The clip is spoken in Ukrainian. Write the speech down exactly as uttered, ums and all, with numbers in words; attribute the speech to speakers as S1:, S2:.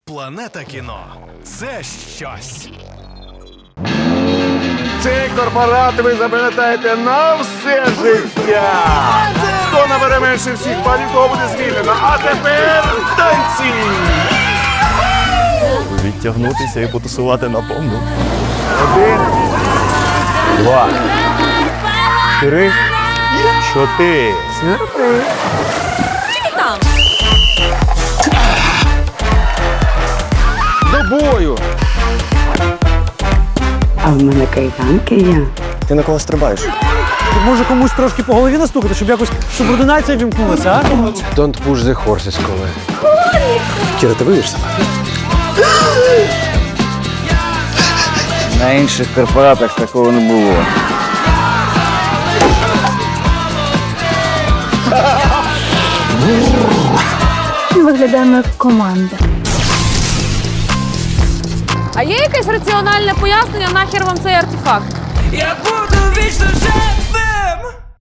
S1: Планета кіно – це щось.
S2: Цей корпорат ви запам'ятаєте на все життя. Хто набере менше всіх балів, того буде звільнено. А тепер танці!
S3: Відтягнутися і потусувати на повну.
S2: Один,
S3: Два. Три. Чотири.
S2: до бою!
S4: А в мене кайданки є.
S3: Ти на кого стрибаєш?
S5: Може комусь трошки по голові настукати, щоб якось субординація вімкнулася, а?
S2: Don't push the horses, коли.
S3: Кіра, ти вийдеш себе?
S6: На інших корпоратах такого не було.
S7: Виглядаємо як команда.
S8: А є якесь раціональне пояснення, нахер вам цей артефакт?
S9: Я буду вічно жити.